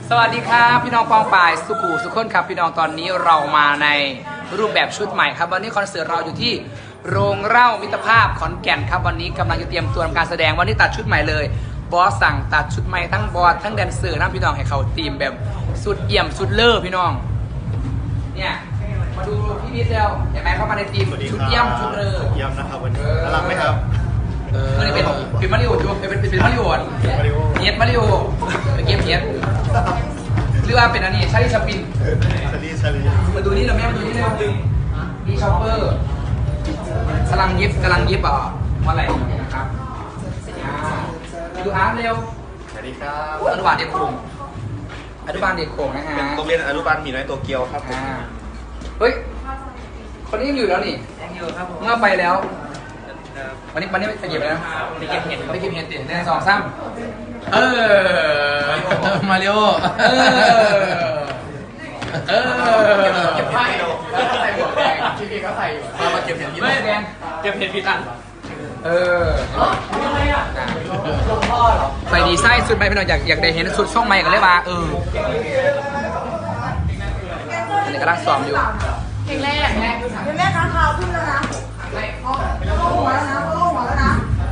สวัสดีครับพี่น้องกองป่ายสุขุสุขคนครับพี่น้องตอนนี้เรามาในรูปแบบชุดใหม่ครับวันนี้คอนเสิร์ตเราอยู่ที่โรงเหล้ามิตรภาพขอนแก่นครับวันนี้กำลังจะเตรียมตัวทำการแสดงวันนี้ตัดชุดใหม่เลยบอสสั่งตัดชุดใหม่ทั้งบอสทั้งแดนเซอร์ทั้งพี่น้องให้เขาทีมแบบสุดเอี่ยมสุดเลิศพี่น้องเนี่ยมาดูพี่พีทเร็วเห็นไหมเข้ามาในทีมชุดเอี่ยมชุดเลิศเยี่ยมนะครับวันนี้น่ารักไหมครับนี่เป็นมาริโอจูเป็นมาริโอเนียดมาริโอเกมเนียดหรือว่าเป็นอันนี้ชาลีชาปินชาลีมาดูนี่เราแม่มาดูนี่เลยนี่ชอปเปอร์กำลังยิบวันไหนนะครับดูอาร์ตเร็วสวัสดีครับอนุบาลเด็กโขงอนุบาลเด็กโขงนะฮะเป็นโรงเรียนอนุบาลหมีน้อยโตเกียวครับเฮ้ยคนนี้ยังอยู่แล้วนี่ยังอยู่ครับผมเมื่อไปแล้ววันนี้ไปเก็บแล้วไปเก็บเห็ดไปเก็บเห็ดเด่นใน2 3มาริโอเก็บไพ่ใส่หมวกแดงพี่ก็ใส่อยู่มาเก็บเห็ดพี่แดงเก็บเห็ดพี่ตันยังไงอ่ะหลวงพ่อเหรอใส่ดีไซน์สุดไหมพี่น้องอยากได้เห็นสุดช่องใหม่กันเลยมาอันนี้กำลังซ้อมอยู่เพลงแรกแม่ค้างคาวขึ้นแล้วนะเข้าหัวแล้วนะเข้าหัวแล้วนะ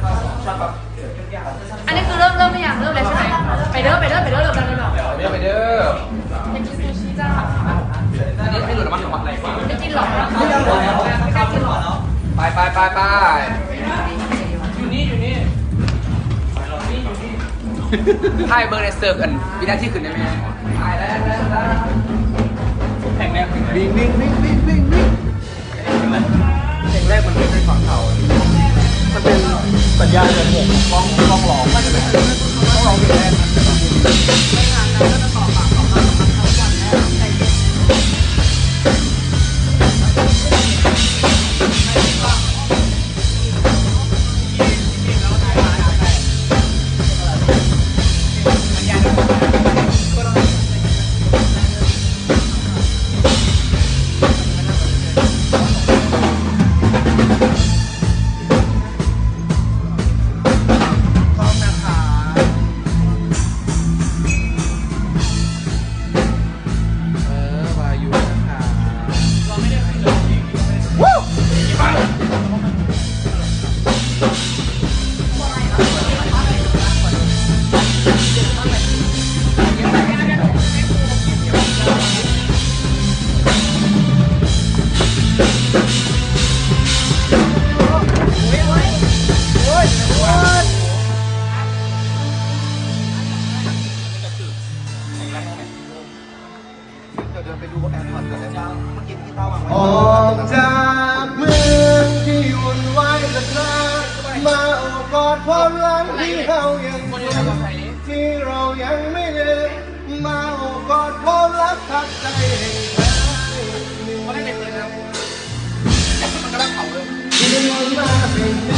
อันนี้คือเริ่มหรือยังเริ่มเลยใช่ไหมไปเด้อเริ่มกันเลยเหรอไปเด้ออยากกินซูชิจ้าอันนี้ให้หลุดน้ำมันของอะไรไม่กินหรอกไม่กล้ากินหรอกไปอยู่นี่ถ่ายเบอร์ในเซิร์ฟกันวินาทีขึ้นได้ไหมถ่ายแล้วแข่งแรกวิ่งเพลงแรกมันไม่ใช่ของเขามันเป็นสัญญาณเดือนหกต้องร้องต้องร้องเพลงแรกออกจากเมืองที่วุ่นวายสักครั้งมาโอบกอดความหลังที่เรายังมีที่เรายังไม่ลืมมาโอบกอดความรักทักใจแห่งแท้ที่วนมาเป็น